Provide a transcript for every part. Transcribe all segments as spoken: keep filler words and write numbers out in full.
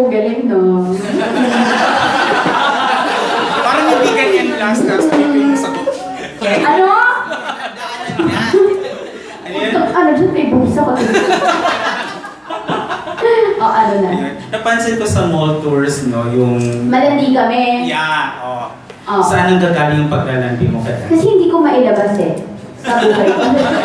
galing, no? Parang hindi ganyan last last week yung sagot. Ano? Ano yan? Ano dyan, may boobs ako. O, ano na? Ayun. Napansin ko sa mall tours, no, yung... Malandi kami. Yeah, oh. Oo. Saan ang gagaling yung paglalandi mo kaya? Kasi hindi ko mailabas eh. Sa buhay ko.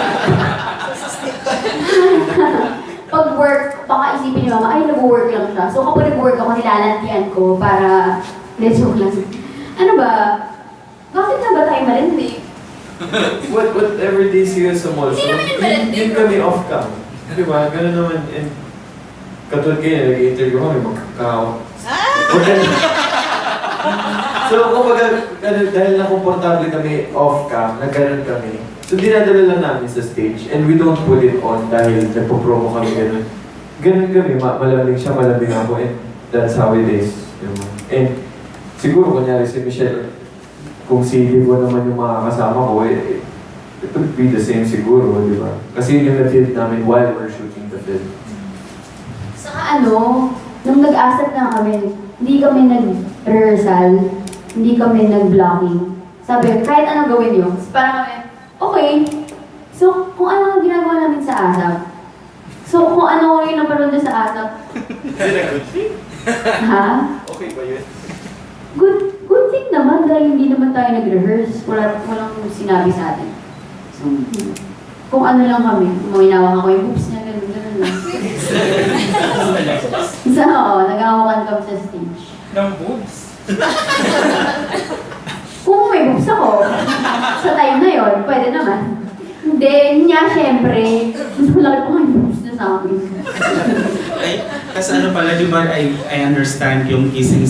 Pag work, baka isipin ni mama, ay nag-work lang siya. So kapag nag-work ako, nilalantian ko para... Joke lang. Ano ba? Bakit na ba tayo malandi? What, whatever days you sa mall, Hindi so, naman yung malandi. yun kami off-cam. Di ba? Ganun naman. And katulad kayo, nag-interview kami, magkakaw. So, kumbaga, ano, dahil na-komportable kami off-cam, nagkaroon kami. So, dinadala lang namin sa stage and we don't put it on dahil nagpo-promo kami ganun. Ganun kami, ma malamig siya, malamig ako, and that's how it is. Diba? And siguro, kunyari si Michelle, kung si Libo naman yung mga kasama ko, eh, it would be the same siguro, di ba? Kasi yun yung na-build namin while we're shooting the film. Saka ano, nung nag-asset na kami, hindi kami nag-rehearsal, hindi kami nag-blocking. Sabi, kahit anong gawin nyo, parang kami, okay. So, kung ano ang ginagawa namin sa ASAP, so kung ano yung naparoon doon sa ASAP, Is it a good thing? ha? Okay ba yun? Good, good thing naman dahil hindi naman tayo nag-rehearse. Wala, walang sinabi sa atin. So, hmm. kung ano lang kami, umainawak ako yung boobs niya, gano'n, gano'n lang. Isa, oo, nag-awakan kami sa stage. Ng boobs? Kung may boobs ako, sa time na yon, pwede naman. Hindi, niya syempre, mas malaki pa yung boobs na sa akin. Ay, kasi ano pala, di ba, I, I understand yung kissing